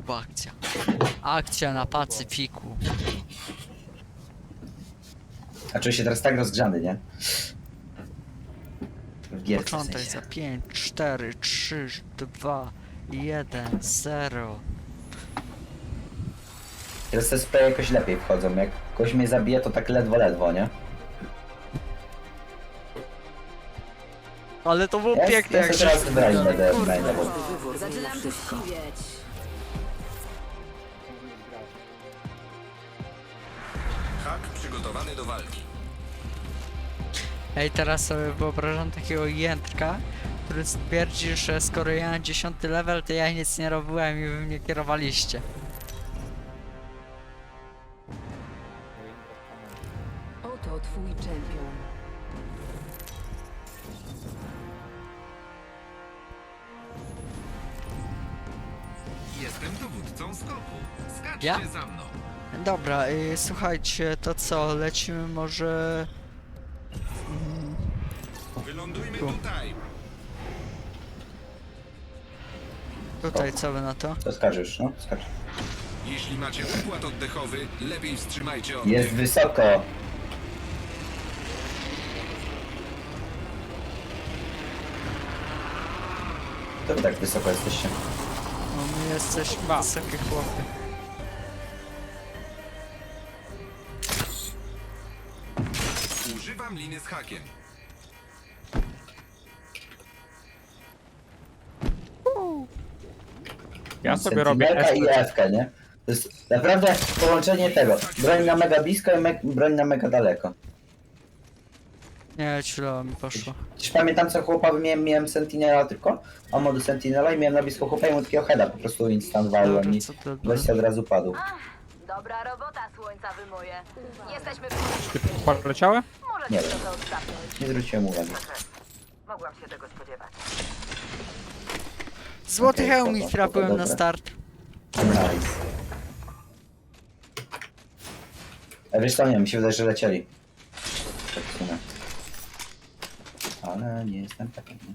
Pacyfiku akcja. Akcja na Pacyfiku. A czuję się teraz tak rozgrzany, nie? W gierce w Początek sensie. za 5, 4, 3, 2, 1, 0. Teraz te spraye jakoś lepiej wchodzą. Jak ktoś mnie zabije, to tak ledwo, nie? Ale to było Ja piękne, jak sobie teraz żeś wybrać wygrał. będę Kurwa. maina, bo Zaczynam tu ściwieć. Hak przygotowany do walki. Ej, teraz sobie wyobrażam takiego jędrka, który stwierdzi, że skoro ja mam 10 level, to ja nic nie robiłem i wy mnie kierowaliście. Oto twój czempion. Jestem dowódcą skoku. Skaczcie Ja? za mną. Dobra, słuchajcie, to co, lecimy może... Wylądujmy Tu. tutaj. Tutaj, co wy na to? to skaczesz, no? Skacz. Jeśli macie układ oddechowy, lepiej wstrzymajcie oddech. Jest wysoko. To wy tak wysoko jesteście. No my jesteśmy wysokie chłopy. Używam liny z hakiem. Ja sobie robię Sentinelka i S. F-kę, nie? To jest naprawdę połączenie tego. Broń na mega blisko i broń na mega daleko. Nie, źle mi poszło. Już pamiętam co chłopa miałem Sentinela tylko, a modu Sentinela i miałem na blisko chłopa i mu takiego heada po prostu instant walłem Dobra, i co to weź od razu padł. Dobra robota, słońca wymoje. Jesteśmy w Poleciały? Możecie Nie trochę odstawność. Nie zwróciłem uwagi. Mogłam się tego spodziewać. Złoty Okej, hełm spoko, mi spoko, trafiłem na dobra. start. Nice. A wiesz co, nie, mi się wydaje, że lecieli. Tak w sumie. Ale nie jestem pewien. Nie?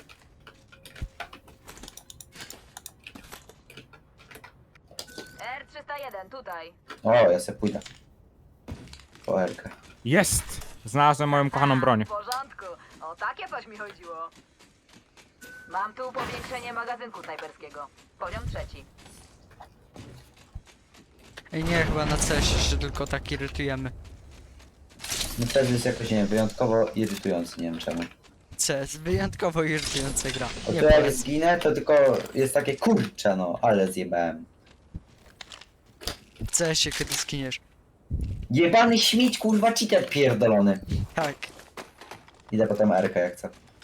R301 tutaj. O, ja se pójdę. Po Erkę. Jest! Znalazłem moją kochaną broń. W porządku. O takie coś mi chodziło. Mam tu powiększenie magazynku snajperskiego. Poziom 3. Ej, nie, chyba na CS się tylko tak irytujemy. No wtedy jest jakoś, nie wiem, wyjątkowo irytujący, nie wiem czemu. CS, wyjątkowo irytująca gra. O Nie to jak polecam. zginę, to tylko jest takie kurcze no, ale zjebałem. W CS-ie kiedy skiniesz. Jebany śmieć, kurwa, cheater pierdolony. Tak. Idę potem Erkę jak chcę.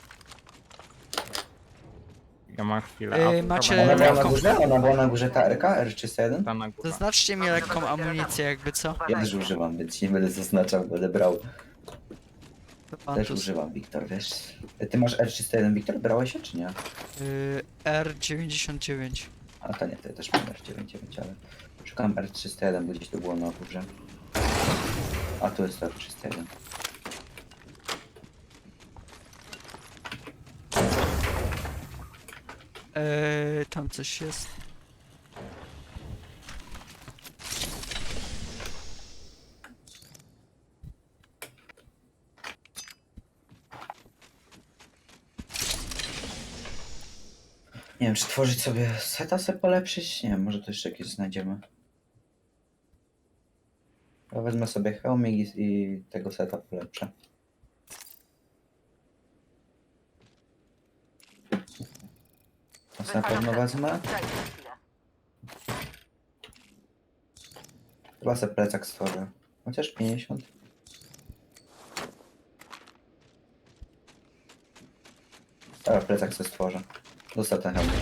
Ja mam chwilę. macie- Ona była na lekką- górze? Ona była na górze ta Erka? R301? Ta na górze. Zaznaczcie mi lekką amunicję jakby co. Ja też używam, więc nie będę zaznaczał, będę brał. To pan Też tu używam, Wiktor, wiesz. Ty masz R301, Wiktor? Brałeś się, czy nie? R99. A to nie, to ja też mam R99, ale... Szukam R301, bo gdzieś to było na górze. A tu jest R301. Tam coś jest. Nie wiem, czy tworzyć sobie seta, polepszyć? Nie wiem, może to jeszcze jakieś znajdziemy. Ja wezmę sobie hełmik i tego seta polepszę. To na pewno wezmę. Dajcie mi chwilę. Chyba sobie plecak stworzę. Chociaż 50. Dobra, plecak sobie stworzę. Zostaw ten hełmik.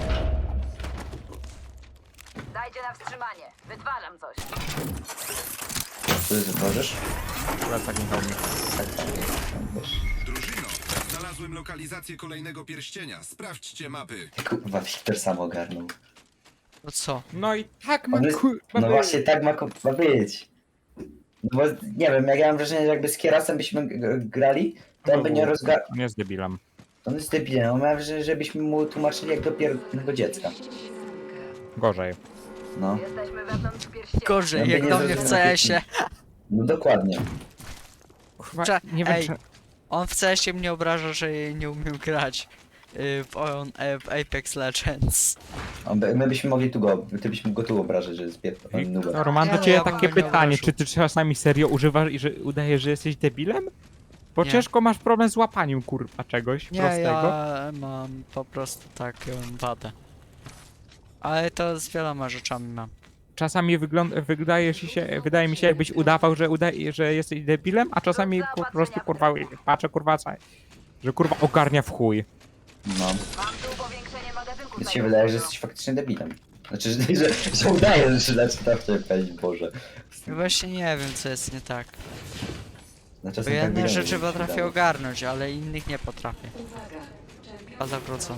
Dajcie na wstrzymanie. Wytwarzam coś. Co ty stworzysz? Plecak nie mi. Tak, wiesz. Drużyno, znalazłem lokalizację kolejnego pierścienia. Sprawdźcie mapy. Kurwa, Wiktor sam ogarnął. No co? No i tak ma On jest, kurwa no być. właśnie tak ma być. No bo nie wiem, jak ja mam wrażenie, że jakby z Kierasem byśmy grali, to on by nie rozgarnął. Nie jest debilem. On jest debilem, on ma wrażenie, żebyśmy mu tłumaczyli jak do pierdolnego dziecka. Gorzej. No. Jesteśmy wewnątrz pierścienia. Gorzej, Ja jak nie do mnie w zrozumiałem, CS-ie. No dokładnie. Kurwa, Cze- nie wiem ej. czy... On w CS-ie mnie obraża, że nie umiem grać w Apex Legends. My byśmy mogli tu go, ty byś mógł go tu obrażać, że jest nubem. Wiktor, mam do Nie, ciebie ja bym takie go nie pytanie, obraził. czy ty czasami serio używasz i że udajesz, że jesteś debilem? Bo Nie. ciężko masz problem z łapaniem, kurwa, czegoś Nie, prostego. ja mam po prostu taką wadę. Ale to z wieloma rzeczami mam. Czasami wydaje mi się, jakbyś udawał, że jesteś debilem, a czasami po prostu, kurwa, patrzę, kurwa, że kurwa ogarnia w chuj. No. Mam tu powiększenie magazynku Więc się wydaje, że jesteś faktycznie debilem. Znaczy, że udajesz, że zaczyna w ciebie palić, Boże. I właśnie nie wiem, co jest nie tak. No, Bo czasem tak jedne wydaje, rzeczy że potrafię udaje. ogarnąć, ale innych nie potrafię. A zawrócony.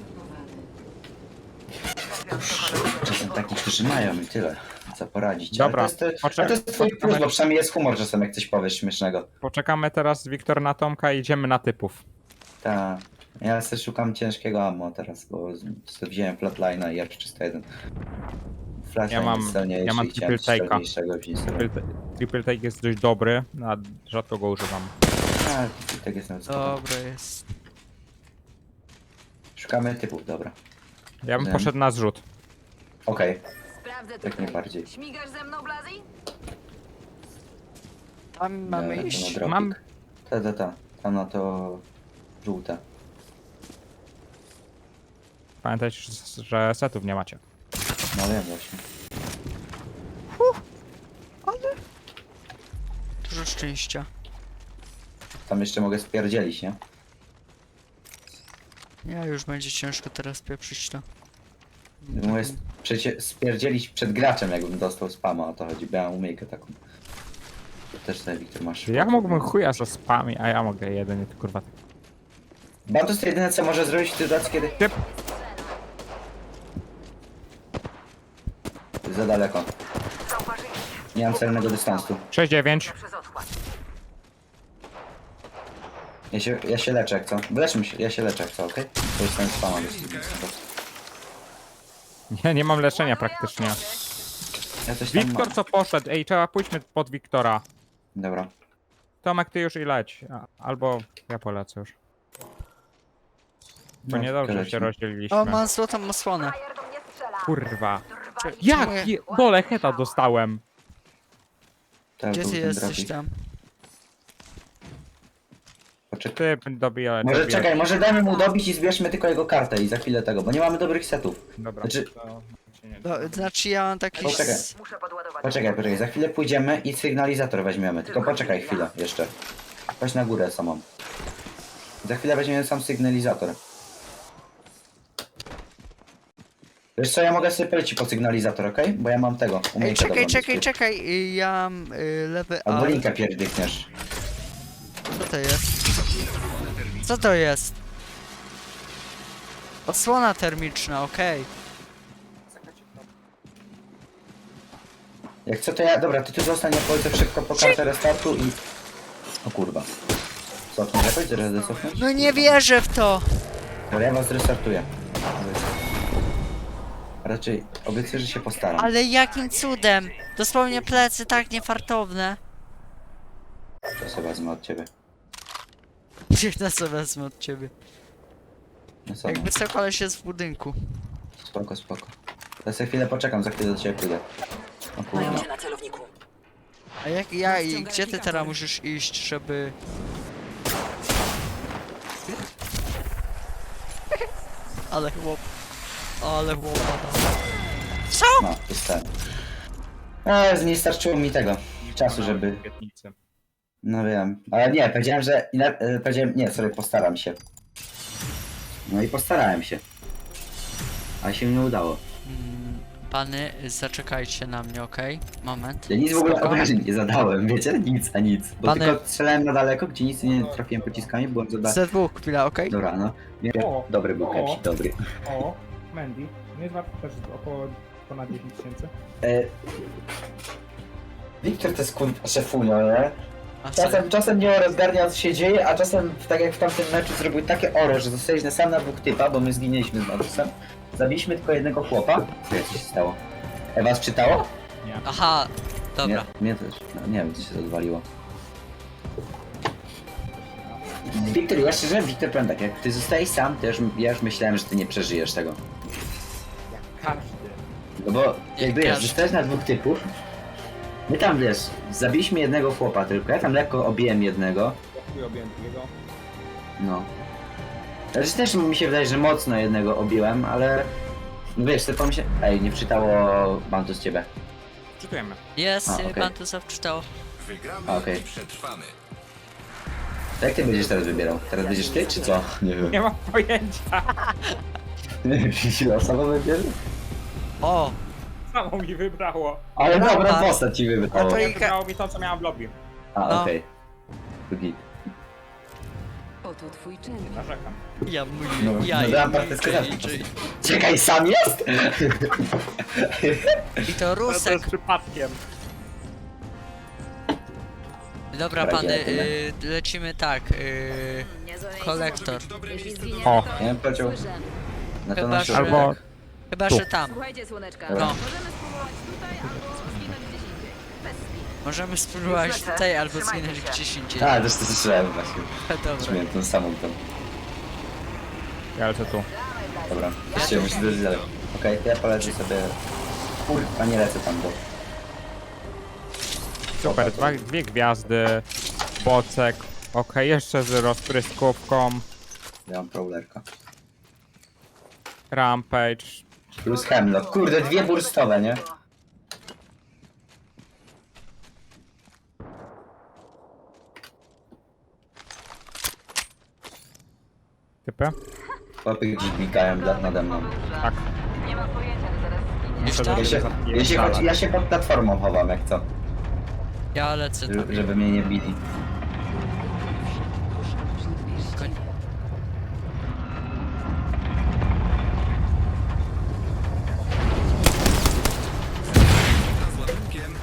Czasem takich, którzy mają i tyle. Co poradzić. Dobra, Ale to jest twój plus, bo przynajmniej jest humor czasem, jak coś powiesz śmiesznego. Poczekamy teraz, Wiktor, na Tomka i idziemy na typów. Ta. Ja sobie szukam ciężkiego ammo teraz, bo wziąłem flatline'a i R301. Flatline Ja mam- jest celniejszy ja mam i chciałem triple take'a. celniejszego wziąć sobie. Triple take jest dość dobry, a rzadko go używam. A, tak jest nawet spoko. Dobra jest. Szukamy typów, dobra. Ja bym Wiem. poszedł na zrzut. Okej, Sprawdzę jak tutaj. najbardziej. Śmigasz ze mną, Blazi? Tam mamy Dobra, to iść. na dropik. Mam- Ta. Tam na to żółte. Pamiętajcie, że setów nie macie. No wiem właśnie. Dużo szczęścia. Tam jeszcze mogę spierdzielić, nie? Ja już będzie ciężko teraz pieprzyć to. Mogę spierdzielić przed graczem, jakbym dostał spama, o to chodzi. Bo ja mam umiejkę taką. Też sobie, Wiktor, masz. Ja mógłbym chuja za spami, a ja mogę jedynie, to kurwa. Bantus to jedyne, co może zrobić w sytuacji, kiedy... Typ. Za daleko. Zauważyli. Nie mam celnego dystansu. 6-9. Przez odkład. Ja się leczę, jak co? Wyleczmy się, ja się leczę, jak co, okej? To jest ten spama. Nie mam leczenia praktycznie. Ja coś tam Wiktor mam. co poszedł? Ej, trzeba pójdźmy pod Wiktora. Dobra. Tomek, ty już i leć. Albo ja polecę już. Bo No, niedobrze lecimy. się rozdzieliliśmy. O, mam złotą osłonę. Frajer do mnie strzela. Kurwa. Drwali. Jak? Dole heta dostałem. Tak, Gdzie był ty ten jesteś dropik. tam? Poczekaj. Ty dobijaj. Może czekaj, może dajmy mu dobić i zbierzmy tylko jego kartę i za chwilę tego, bo nie mamy dobrych setów. Dobra. Znaczy- to się nie- Znaczy ja mam taki... Poczekaj. Muszę podładować. Poczekaj, za chwilę pójdziemy i sygnalizator weźmiemy. Tylko poczekaj chwilę jeszcze. Chodź na górę samą. Za chwilę weźmiemy sam sygnalizator. Wiesz co, ja mogę sobie polecić po sygnalizator, okej? Bo ja mam tego, Ej, umiejętnie czekaj, ja mam lewy Albo alt. linkę pierdykniesz. Co to jest? Co to jest? Osłona termiczna, okej. Jak co to ja... Dobra, ty tu zostań, ja polecę szybko po kartę restartu i... O kurwa. Cofnij, jakoś zaraz cofnąć? No nie wierzę w to! Dobra, ja was restartuję. Raczej obiecuję, że się postaram. Ale jakim cudem? Dosłownie plecy tak niefartowne. To sobie wezmę od ciebie. Biegnę sobie wezmę od ciebie. No co, Jakby co, koleś jest w budynku. spoko. Ja sobie chwilę poczekam, za chwilę do ciebie pójdę. O kurwa. A i gdzie ty teraz musisz iść, żeby... Ale chłop... Co? No, dostałem. Nie starczyło mi tego czasu, żeby... Obietnicy. No wiem, ale nie, powiedziałem, że... Powiedziałem, nie, sorry, postaram się. No i postarałem się. Ale się nie udało. Pany, zaczekajcie na mnie, okej? Moment. Ja nic w ogóle Spoko. obrażeń nie zadałem, wiecie? Nic. Bo Pany- tylko strzelałem na daleko, gdzie nic nie trafiłem pociskami, byłem za daleko. Z2, chwila, okej? Dobra, no. Nie, O, dobry był o. Kepsi, dobry. O, Mandy. Nie jest wart też około ponad 10 000. Wiktor to jest kurwa szefunio, nie? A co? Czasem nie rozgarnia co się dzieje, a czasem tak jak w tamtym meczu zrobił takie oro, że zostaliśmy sam na dwóch typa, bo my zginęliśmy z Matusem. Zabiliśmy tylko jednego chłopa. Co się stało? Was czytało? Aha, dobra. Mnie też. No, nie wiem, co się odwaliło. Wiktor, ja szczerze, Wiktor, powiem tak, jak ty zostajesz sam, to ja już myślałem, że ty nie przeżyjesz tego. Każdy. No bo jak wiesz, każdy. zostałeś na dwóch typów. My tam wiesz, zabiliśmy jednego chłopa tylko, ja tam lekko obiłem jednego. Chuj objąłem drugiego. No. Znaczy też mi się wydaje, że mocno jednego obiłem, ale... No wiesz, to pomyślę... Ej, nie wczytało Bantu z ciebie. Czytujemy. Jest, A, okej. Bantusa wczytał. Wygramy A, okej. i przetrwamy. To jak ty będziesz teraz wybierał? Teraz będziesz ty, czy co? Nie wiem. Nie mam pojęcia. Losowo wybierze? O, Samo mi wybrało. Ale Dobra. dobra postać ci wybrało. No to Nie i- wybrało mi to, co miałem w lobby. A, No. okej. Drugi. Oto twój czempion. Narzekam. ja mój, No, ja no dałem partyckę i- na Czekaj, sam jest? I to To Rusek. jest przypadkiem. Dobra, Dobra, pany, idziemy. lecimy tak. Niezłe miejsce. Kolektor. Być dobre Jeśli miejsce do... zginiemy, O. to Ja bym powiedział słyszę. na to Chyba, na że- środek. Albo... Chyba, Tu. że tam. Słuchajcie, słoneczka. Dobra. No. Możemy spróbować tutaj albo zginąć gdzieś indziej. Bez spin. Możemy spróbować Już lecę. tutaj albo Trzymajcie zginąć się. gdzieś indziej. A, też to słyszałem właśnie. Dobra. Miałem tą samą tą. Ja lecę tu. Dobra, jeszcze muszę dojść dalej. Okej, to ja polecę sobie... Kurwa, nie lecę tam, bo... Super, dwie gwiazdy. Bocek. Okej, jeszcze z rozpryskówką. Ja mam prowlerka. Rampage. Plus Hemlock. Kurde, dwie burstowe, nie? Typy? Chłopy gdzieś biegają nade mną. Tak. Nie mam pojęcia, ale zaraz zginie. Już Muszę tam? Ja się pod platformą chowam, jak co. Ja lecę tam. Żeby mnie nie bili. Koń- Z ładunkiem.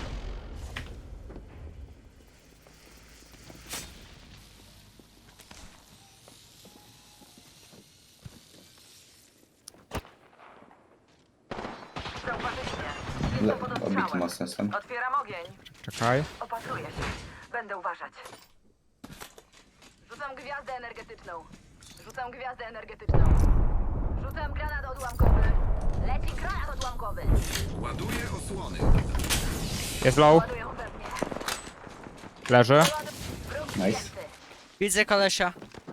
Zauważyliście. Jestem pod Obity ostrzałem. mocno jestem. Otwieram ogień. Czekaj. Opatruję się. Będę uważać. Rzucam gwiazdę energetyczną. Rzucam gwiazdę energetyczną. Rzucam granat odłamkowy. Leci granat odłamkowy. Ładuję osłony. Jest low. Ładują we mnie. Leży. Wróg Nice. zdjęty. Widzę kolesia.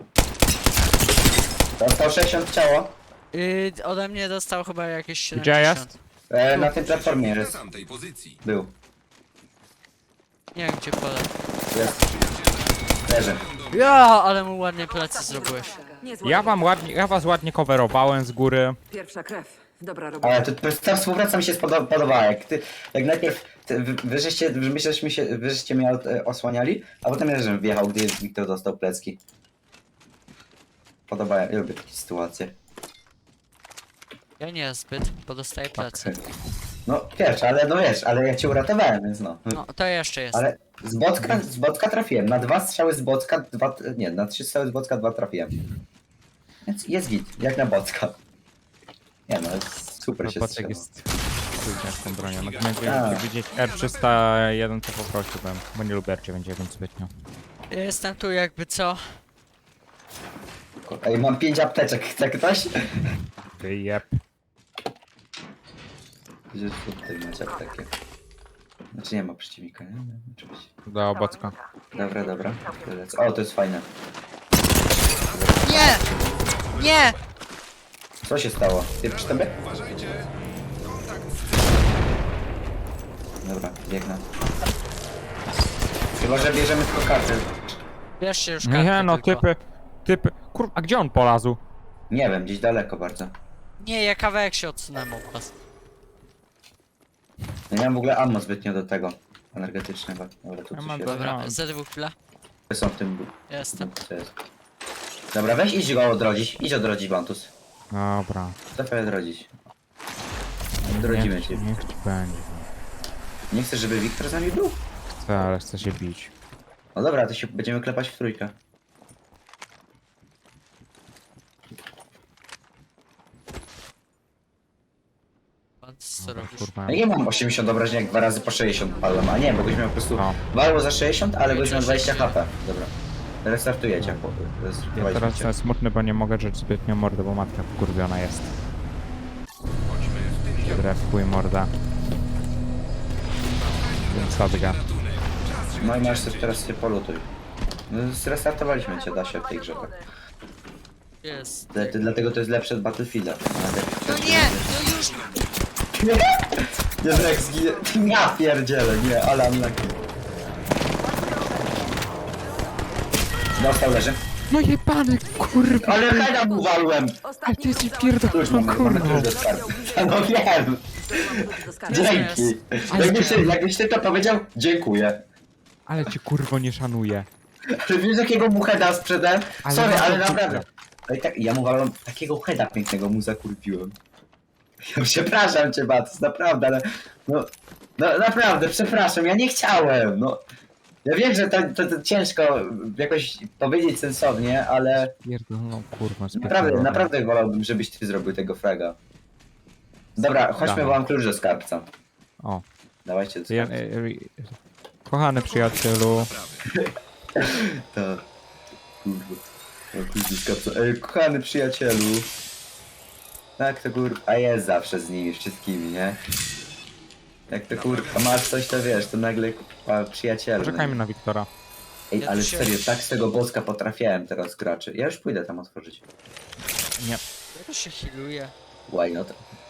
Dostał 60 ciało. Ode mnie dostał chyba jakieś 70. Gdzie jest? Na tej platformie Na jest. tamtej pozycji. Był. Nie wiem gdzie pole. Jest. Leży. Ja, ale mu ładnie plecy zrobiłeś. Niezła Ja was ładnie coverowałem z góry. Pierwsza krew. Dobra robota. Ale ta współpraca mi się podobała. Jak najpierw wy żeście mnie osłaniali, a potem ja żem wjechał, gdy Wiktor dostał plecki. Podobają, ja lubię takie sytuacje. Ja nie zbyt, bo dostaję plecy. No wiesz, ale ja cię uratowałem, więc no. No, to jeszcze jest. Ale z Bocka trafiłem. Na 2 strzały z Bocka, na 3 strzały z Bocka 2 trafiłem. Więc jest git, jak na Bocka. Nie no, super się Bocek strzela. jest... Kurde, z tą bronią. A. Natomiast widzieć R301 to poprosiłbym, bo nie lubię R99 zbytnio. Jestem tu jakby co. Ej, mam 5 apteczek, chce ktoś? Jep. Gdzieś tutaj macie aptekę. Znaczy nie ma przeciwnika, nie? Oczywiście. Do Bocka. Dobra. O, to jest fajne. Nie! Nie! Co się stało? Ty przy tobie? Uważajcie. Kontakt z Dobra, biegnę. Chyba, że bierzemy tylko karty. Bierzcie już kartę Nie no, tylko. typy. Kurwa, a gdzie on polazł? Nie wiem, gdzieś daleko bardzo. Nie, ja kawałek się odsunąłem od was. Ja nie mam w ogóle ammo zbytnio do tego energetycznego. Dobra, tu Ja coś mam jest. Dobra, No. za dwóch chwila. Są w tym... Jestem. Co jest? Dobra, weź idź go odrodzić. Idź odrodzić Bantus. Dobra. Dawaj odrodzić. Odrodzimy cię. Niech ci będzie. Nie chcesz, żeby Wiktor z nami był? Chcę, ale chcę się bić. No dobra, to się będziemy klepać w trójkę. Pan co robisz? Kurwa. Ja nie mam 80 obrażeń, jak 2 razy po 60 padłem, a nie, bo goś miał po prostu No. walło za 60, ale goś miał 20 HP. Dobra. Restartujecie, chłopy. Ja Restartujcie. teraz jestem smutny, bo nie mogę rzecz zbytnio mordę, bo matka wkurwiona jest. Chodźmy w tym Dobra, w chuj morda. Więc sadga. No i masz też teraz się polutuj. No, zrestartowaliśmy cię, da się w tej grze. Tak. Jest. Dlatego to jest lepsze od Battlefielda. No nie! No już! Nie, jak zginie. Ja pierdzielę, nie, ale unlucky. Dostał, leży. No jebany, kurwa! Ale heada mu walłem! Ale ty jesteś Klucz pierdolą, mamy klucz kurwa! do skarbu. No wiem! Do skarbu. Dzięki! Jakbyś ty to powiedział, dziękuję. Ale cię kurwo nie szanuję. Ale wiesz jakiego mu heada sprzedałem? Ale Sorry, no to ale kurwa. naprawdę. Ale tak, ja mu walłem takiego heada pięknego mu zakurpiłem. Ja przepraszam cię, Batus, naprawdę, ale... No naprawdę, przepraszam, ja nie chciałem, no. Ja wiem, że to ciężko jakoś powiedzieć sensownie, ale Pierdolą, kurwa, naprawdę wolałbym, żebyś ty zrobił tego fraga. Dobra, chodźmy, Dawaj. bo mam klucz do skarbca. O. Dawajcie do Ja, skarbca. kochany przyjacielu, To... Kurwa. O, klucz do skarbca. Ej, kochany przyjacielu. Tak to kurwa, a jest zawsze z nimi wszystkimi, nie? Jak to kurwa, masz coś, to wiesz, to nagle kurwa, przyjacielu. poczekajmy na Wiktora. Ej, Ja ale tu się- serio, tak z tego boska potrafiałem teraz graczy. Ja już pójdę tam otworzyć. Nie, Ja to się healuje. Why not?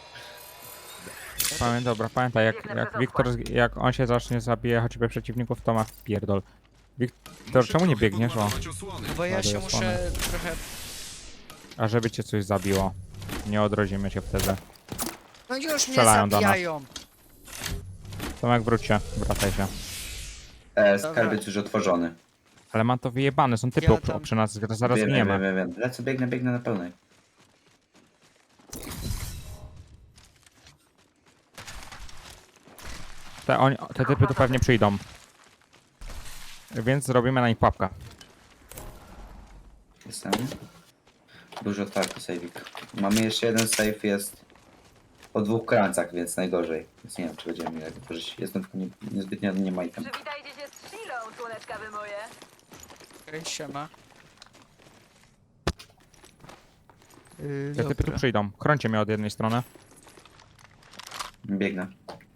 dobra, pamiętaj, jak Wiktor, jak on się zacznie zabije choćby przeciwników, to ma pierdol. Wiktor, czemu nie biegniesz? O, osłony. No bo ja się Ładuję muszę trochę... a żeby cię coś zabiło. Nie odrodzimy się wtedy. No już mnie Strzelają do nas. zabijają! Tomek, wróć się, wracaj się. Skarbiec już otworzony. Ale mam to wyjebane, są typy Ja tam- przy nas, zaraz wiem, gniemy. wiem. Lecę, biegnę na pełnej. Te typy tu pewnie przyjdą. Więc zrobimy na nich pułapkę. Jestem. Dużo otwarty save'ik. Mamy jeszcze jeden save, jest po 2 krańcach, więc najgorzej. Więc nie wiem, czy będziemy mieli otworzyć. Jestem tylko niezbytnio nie majtem. Przywitajcie się z Shilą, słoneczka wy moje. Okej, siema. Te typy tu przyjdą. Chrońcie mnie od jednej strony. Biegnę.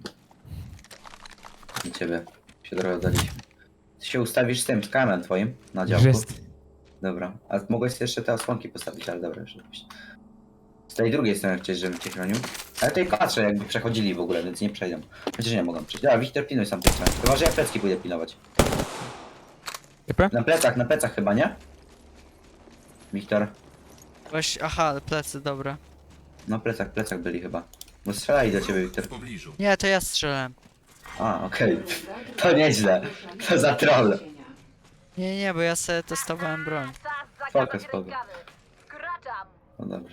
I ciebie się trochę oddaliśmy. Ty się ustawisz z tym, z kamerą twoim na działku. Jest. Dobra. A mogłeś jeszcze te osłonki postawić, ale dobra, rzeczywiście. Z tej drugiej strony chciałeś, żebym cię chronił. Ale tutaj patrzę, jakby przechodzili w ogóle, więc nie przejdą. Chociaż nie mogą przejść. Dobra, Wiktor, pilnuj sam tej strony. Chyba, że ja plecki pójdę pilnować. Typy? Na plecach chyba, nie? Wiktor. Właśnie, aha, plecy, dobra. No plecach byli chyba. Bo strzelali do ciebie, Wiktor. W pobliżu. Nie, to ja strzelałem. A, okej. To nieźle. To za troll. Nie, bo ja sobie testowałem broń. Czas Spoko, zakładać spoko. rękawy. Kraczam. No dobrze.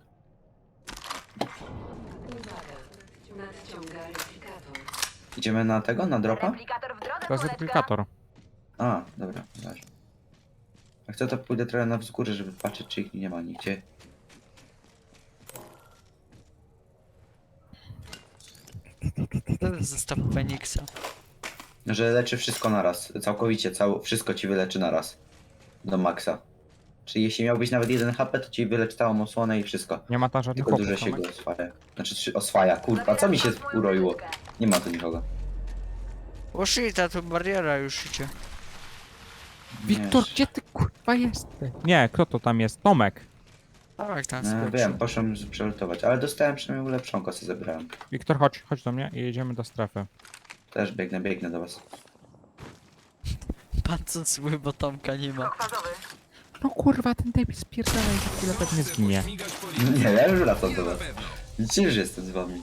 Nadciąga replikator. Idziemy na tego, na dropa? Replikator w drodze, To jest słoneczka. replikator. A, dobra, dobrze. Jak chcę, to pójdę trochę na wzgórze, żeby patrzeć, czy ich nie ma nigdzie. To jest zestaw Feniksa. Że leczy wszystko naraz. Całkowicie, wszystko ci wyleczy naraz. Do maksa. Czyli jeśli miałbyś nawet 1 HP, to ci wyleczy całą osłonę i wszystko. Nie ma tam żadnych Tylko dużo chłopów, się Tomek? go oswaja. Znaczy oswaja, kurwa, co mi się uroiło? Nie ma tu nikogo. O shit, a tu bariera już idzie. Wiktor, Nie, gdzie ty kurwa jesteś? Nie, kto to tam jest? Tomek. Tak, tam No, skoczył. wiem, poszłem przelutować, ale dostałem przynajmniej ulepszonko, co zebrałem. Wiktor, chodź do mnie i jedziemy do strefy. Też biegnę do was. Pan co zły, bo Tomka nie ma. Fazowy. No kurwa, ten debil spierdala i za chwilę pewnie zginie. Śmigać po Nie, linii. ja już wracam do Na was. pewno. Widzicie, że jestem z wami.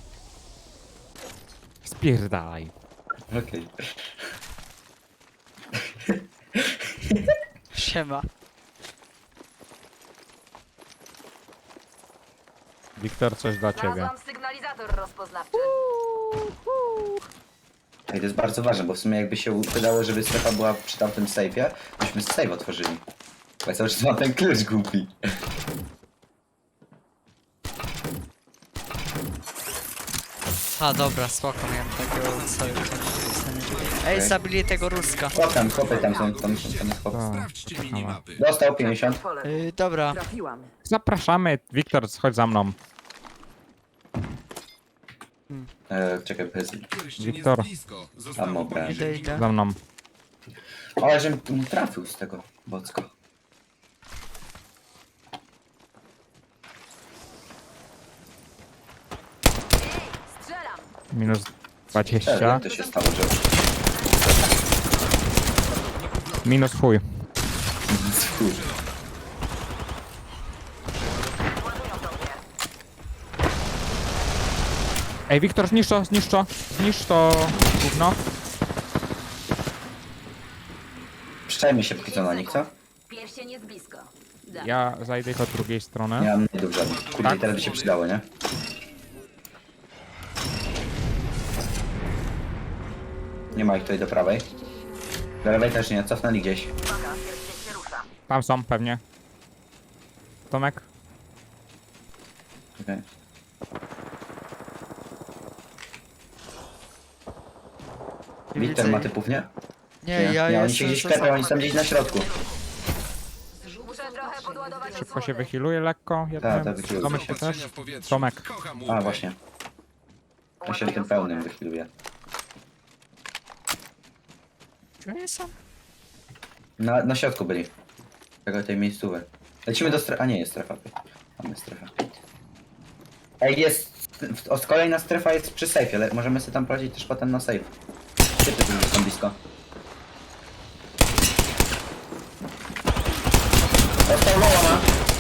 Spierdalaj. Okej. Siema. Wiktor, coś dla ciebie. Znalazłam sygnalizator rozpoznawczy. Ej, to jest bardzo ważne, bo w sumie jakby się udało, żeby strefa była przy tamtym sejfie, byśmy sejf otworzyli. Bo ja cały czas mam ten klucz głupi. A dobra, spoko, miałem takiego sojusza. Ej, zabili tego Ruska. Chłopy tam są, tam jest chłop. Tak. Sprawdźcie minimapy. Dostał 50. Dobra, Trafiłam. Zapraszamy, Wiktor, chodź za mną. Czekaj, bez... Pierścień Wiktor. jest blisko. Zostało Tam poniżej idę, idę. Za mną. Ale żebym tu nie trafił z tego bocko. Strzelam. Minus Jak 20. to się stało, że... Minus chuj. Chuj. Ej, Wiktor, zniszcz to, zniszcz to. Zniszcz to gówno. Przyczajmy się póki co na nich, co? Pierścień jest blisko. Da. Ja zajdę ich od drugiej strony. Nie mam najdów żadnych. Kurde, Tak? teraz by się przydało, nie? Nie ma ich tutaj do prawej. Do lewej też nie, cofnęli gdzieś. Tam są, pewnie. Tomek? Okej. Wiktor ma typów, nie? nie, ja nie, oni się jestem gdzieś za klepią, oni są gdzieś na środku. Muszę trochę podładować Szybko się osłony. wychiluje lekko. Tak, Jednym. wychiluje. Tomek się Zaopatrzenia też. w powietrzu. Tomek. Kocham A, łupy. właśnie. Ja się tym pełnym wychiluje. Gdzie oni są? Na środku byli. Tego tej miejscówy. Lecimy do strefy. A nie, jest strefa. Mamy strefę. Ej, jest. Kolejna strefa jest przy sejfie, ale możemy sobie tam prowadzić też potem na sejf. Typy tu są blisko. Dostał loła ma.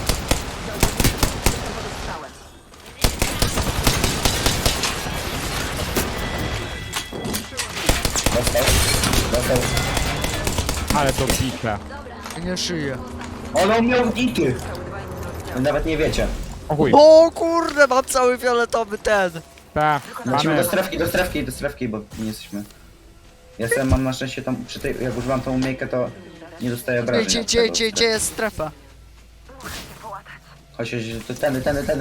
Dostał. Ale to bite. Nie żyje. On miał ity. Wy nawet nie wiecie. O chuj. O kurde, mam cały fioletowy ten. Ta, Lecimy mamy. do strefki, bo nie jesteśmy. Ja sobie mam na szczęście tam, przy tej, jak używam tą umiejkę, to nie dostaję obrażeń. od tego Gdzie jest strefa? Chodź, to tędy.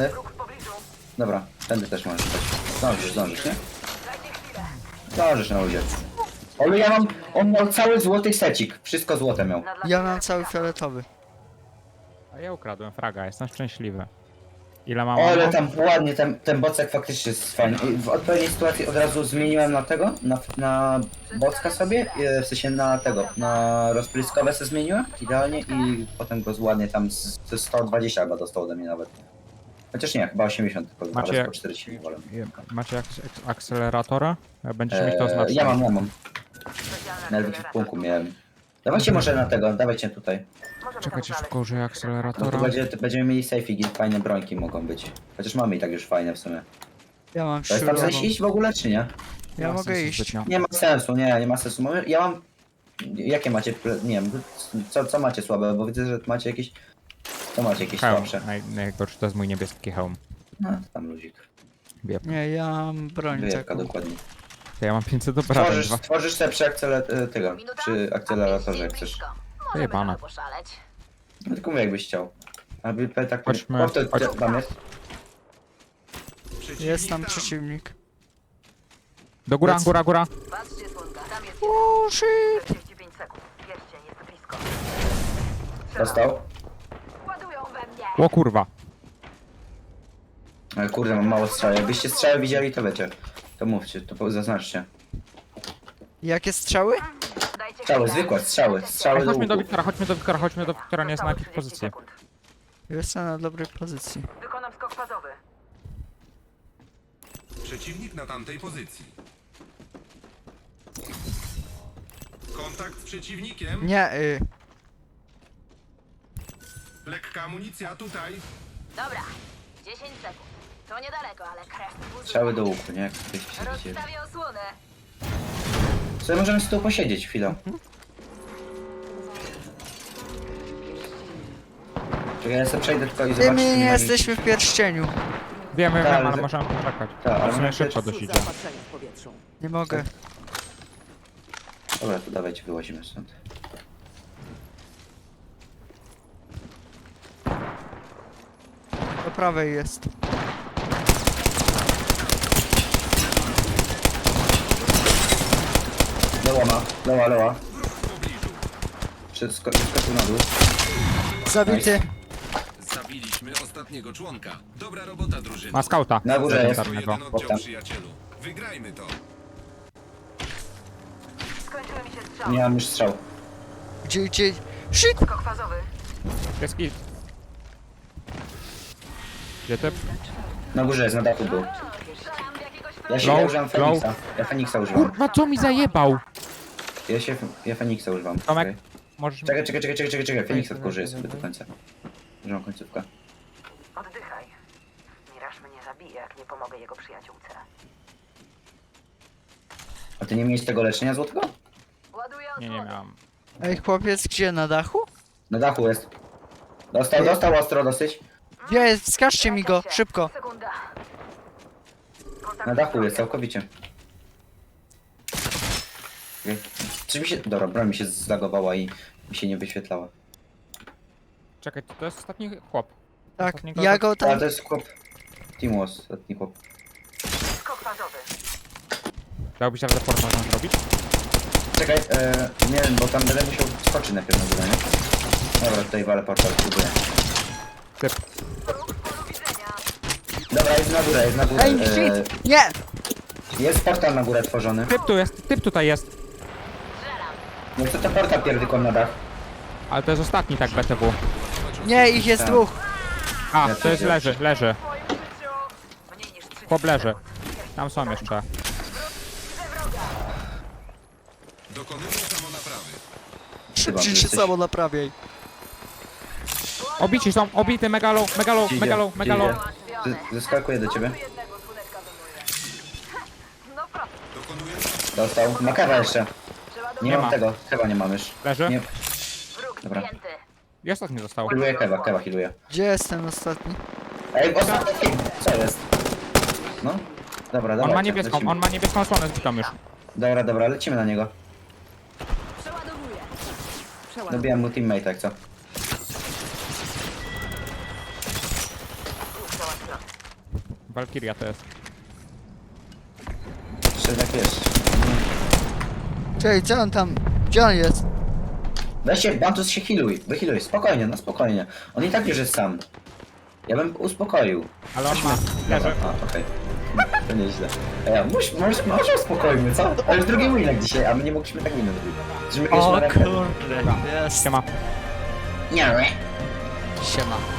Dobra, tędy też możesz chodź. Zdążysz, nie? Zdążysz na ludzie. Ale ja mam, on miał cały złoty secik, wszystko złote miał. Ja mam cały fioletowy. A ja ukradłem fraga, jestem szczęśliwy. Ile mam? Ale ammo? tam ładnie, ten bocek faktycznie jest fajny. I w odpowiedniej sytuacji od razu zmieniłem na tego, na bocka sobie, w sensie na tego, na rozpryskowe se zmieniłem, idealnie i potem go ładnie tam z 120 chyba dostał ode mnie nawet. Chociaż nie, chyba 80 tylko, Macie- ale po 40 nie wolę. Macie jakieś akceleratora? Będziecie mieć to oznaczone. Ja mam. Nawet w punku miałem. Dawajcie może na tego, dawajcie tutaj. Czekajcie, szybko użyję No to akceleratora. będziemy mieli safe'iki, fajne brońki mogą być. Chociaż mamy i tak już fajne w sumie. Ja mam To jest tam śrubową. sens iść w ogóle, czy nie? Ja ma mogę sensu iść. zbytnio. Nie ma sensu, nie ma sensu. Ja mam... Jakie macie... Nie wiem, co macie słabe, bo widzę, że macie jakieś... Co macie jakieś Hełm. słabsze? Najgorszy to jest mój niebieski hełm. No, to tam luzik. Wiep. Nie, ja mam broń Wyjebka taką. dokładnie. To ja mam 500 obrażeń. Tworzysz sobie przy akceleratorze, jak chcesz. Wyjebane. Poszaleć. No tylko mówię, jakbyś chciał. Aby tak... Chodźmy, O, to chodź- tam jest. Przeciwnik Jest tam przeciwnik. Do góra, góra. Patrzcie, słonka. Tam jest O shit! 45 sekund. Pierścień jest blisko. Dostał. Ładują we mnie. O kurwa. Ale kurde, mam mało strzał. Jakbyście strzały widzieli, to wiecie. To mówcie, to zaznaczcie. Jakie strzały? Dajcie Strzały, chwilę. zwykłe, strzały Ej, chodźmy do łuku. Wiktora, chodźmy do Wiktora, nie jest na jakiej pozycji. Jestem na dobrej pozycji. Wykonam skok fazowy. Przeciwnik na tamtej pozycji. Kontakt z przeciwnikiem. Nie, Lekka amunicja tutaj. Dobra. 10 sekund. To niedaleko, ale krew buzuje. Strzały do łuku, nie? Jak byście się widzieli. Rozstawię osłonę. Sobie możemy z tyłu posiedzieć chwilę. Czekaj, ja sobie przejdę tylko i ty zobaczę, my czy nie nie ma nic. jesteśmy w pierścieniu. Wiem, Tak, ale ale- możemy poczekać. Tak, ale W sumie my- szybko dość idzie. Zaopatrzenie w powietrzu. Nie mogę. Dobra, to dawajcie, wyłazimy stąd. Do prawej jest. Leła. Skoczył na dół. Zabity. Zabiliśmy ostatniego członka. Dobra robota, drużyno. Ma skauta. Na górze jest. Elementarnego. Jeden Potem. oddział, przyjacielu. Wygrajmy to. Skończyły mi się strzały. Nie mam już strzał. Gdzie? Shit! Skok fazowy. Jest kit. Gdzie ty? Na górze jest, na dachu był. Strzelam w jakiegoś Ja się Low, ja używam low. Feniksa. Ja Feniksa używam. Kurwa, co mi zajebał? Ja Feniksa używam. Tomek, Okej. możesz... Czekaj. Feniksa tylko użyję sobie do końca. Używam końcówkę. Oddychaj. Miraż mnie zabije, jak nie pomogę jego przyjaciółce. A ty nie miałeś tego leczenia złotego? Ładuję Nie osłonę. miałem. Ej, chłopiec, gdzie? Na dachu? Na dachu jest. Dostał ostro dosyć. Gdzie jest? Wskażcie mi go, szybko. Sekunda. Kontakt Na dachu wroga. jest, całkowicie. Okej. Czy mi się... Dobra, broń mi się zlagowała i mi się nie wyświetlała. Czekaj, to jest ostatni chłop. Tak, Ostatniego ja go Ale tam... to jest chłop... Timos, ostatni chłop. Skok fazowy. Dałbyś radę port można zrobić? Czekaj, nie wiem, bo tam będę musiał skoczyć najpierw na górę, nie? Dobra, tutaj walę portal, próbuję. Typ. Wróg w polu widzenia. Dobra, jest na górę. Ej, shit! Nie! Jest portal na górę tworzony. Typ tu jest, typ tutaj jest. No co to portal pierdykon na dach? Ale to jest ostatni tak BTW. Nie, ich jest Tak. dwóch. A, Ja to jest też. leży. W moim życiu. Mniej niż 30 Chłop leży. sekund. Tam są jeszcze. Dokonujmy samonaprawy. Chyba, Szybciej że się jesteś- samo naprawiaj. Obici są, obity megalo. Zeskakuję do ciebie. Tu jednego słoneczka wymuje. No proszę. Dokonujemy... Dostał. Ma kawa jeszcze. Trzeba Nie Nie mam ma. tego. Chyba nie mam już. Leży? Nie. Wróg Dobra. zdjęty. I ostatni został. Healuję kewa healuję. Gdzie jest ten ostatni? Ej, ostatni. Co jest? No. Dobra, On dobra. ma niebieską osłonę zbitą już. Dobra, lecimy na niego. Dobijam mu teammate, jak co? Valkyria to jest. Jeszcze tak wiesz. Czekaj, co on tam... Gdzie on jest? Weź się, Bantus się wyhealuj, spokojnie, no spokojnie. On i tak już jest sam. Ja bym uspokoił. Ale on ma. Dobra, Leży. a, okej. To nieźle. Może uspokojmy, co? Ale już drugi winek dzisiaj, a my nie mogliśmy tak minę zrobić. Żeśmy kiedyś O na rękę. kurde, jest. Siema. Nie, Siema.